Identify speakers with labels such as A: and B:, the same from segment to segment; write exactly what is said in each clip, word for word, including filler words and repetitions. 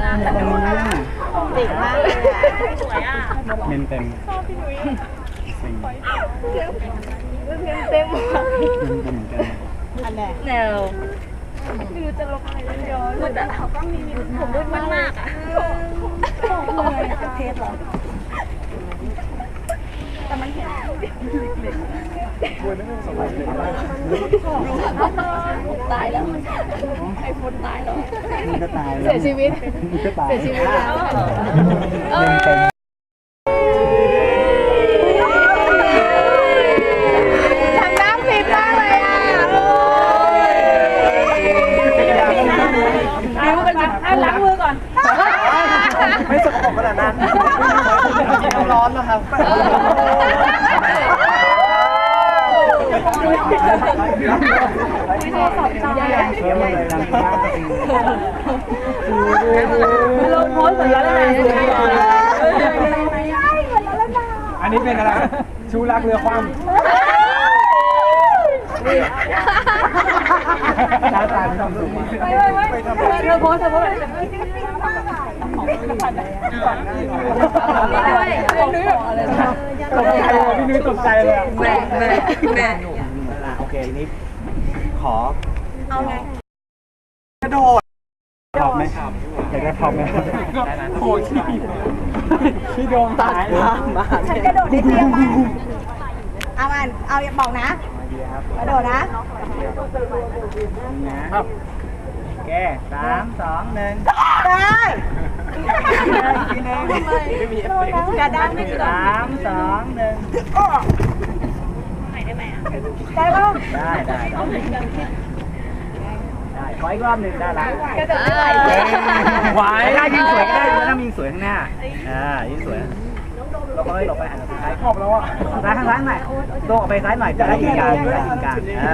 A: เด็กมากเลยสวยอ่ะ
B: เมนเต็มชอบพี่นุ้ยสิ่งเมนเต็มเมนเต็มเหมือนกัน
A: อันไหน
C: แนวไม่รู้จะลบอะไรเลยย้อนแต่เขาก็มีผมมืดมากอ่ะเทสเหรอแต่มันเห็นตายแล้วไอโฟนตายแล้ว
B: มึงก็ตาย
A: เสียชีวิต
B: มึงก็ตาย
A: เสียชีวิตแล้ว
B: เมนเต็ม
A: ทำน้ำผิดมากเลยอ่ะนิ้วกันจ้ะล้างมือก่อน
B: ไม่สกปรกขนาดนั้นน้ำร้อนนะครับ
A: ลงโพสเสือแล้วไง
B: อันนี้เป็นอะไรชูรักเรือคว่ำตาตาทำสูง
A: ไม่ไม่ไม่เธอโพสเธอโพส
B: พี่นุ้ยตกใจเลย
C: แม่แม่แม่
B: โอเคนี้ขอ
A: เอาไง
B: กระโดดพร้อมไหมครับอยากได้พร้อมไหมโอ้ยพี่โดมตายมา
A: ฉันกระโดดได้เตี้ยมากเอามันเอาอย่าบอกนะกระโดดนะครับ
B: โอเคสามสองหนึ่ง
A: ได้
B: ทีนึงไม่มีเอฟเฟกต์
A: กระด้างไม่
B: สามสองหนึ่ง
A: ได้ไหมได้ป่ะ
B: ได้ได้ได้ขออีกรอบหนึ่งได้ละ
A: กระโดดได้
B: ไหวได้ยิ่งสวยก็ได้ถ้ายิ่งสวยข้างหน้าอ่ายิ่งสวยเราก็เลยหลบไปหันซ้ายขอบแล้วอ่ะซ้ายข้างซ้ายหน่อยโต้ออกไปซ้ายหน่อยจะได้ยิงกลางจะได้ยิงกลางอ่า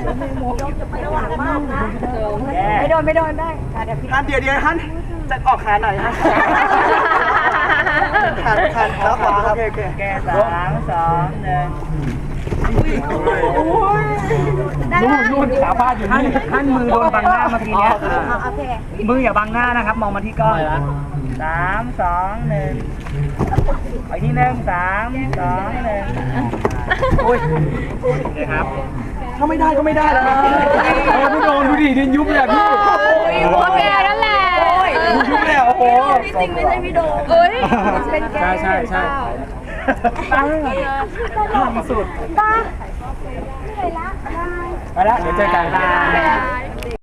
A: ไม่โดนไม่โดนได้เดี๋ยวพี่
B: ฮันเดี๋ยวเดี๋ยวฮันจะออกขาหน่อยฮันขาขาแล้วขวาครับโอเคแกสามสองหนึ่งนู่นนู่นขาพาดอยู่นี่ท่านมือโดนบังหน้าเมื่อกี้เนี้ยมืออย่าบังหน้านะครับมองมาที่กล้องสามสองหนึ่งอีกทีหนึ่งสามสองหนึ่งโอ้ยนะครับถ้าไม่ได้ก็ไม่ได้แล้วโอ้พี่โดนดูดิดินยุบเลยพี่
C: โอเคนั่นแหละ
B: ยุบเลยโอ้โห
C: จริงไม่ใช่พี่โดเอ้ย
A: เป็นแก
B: ใช่ใช่ใช่ตาทำสุดตาไปละไปละเดี๋ยวเจอกัน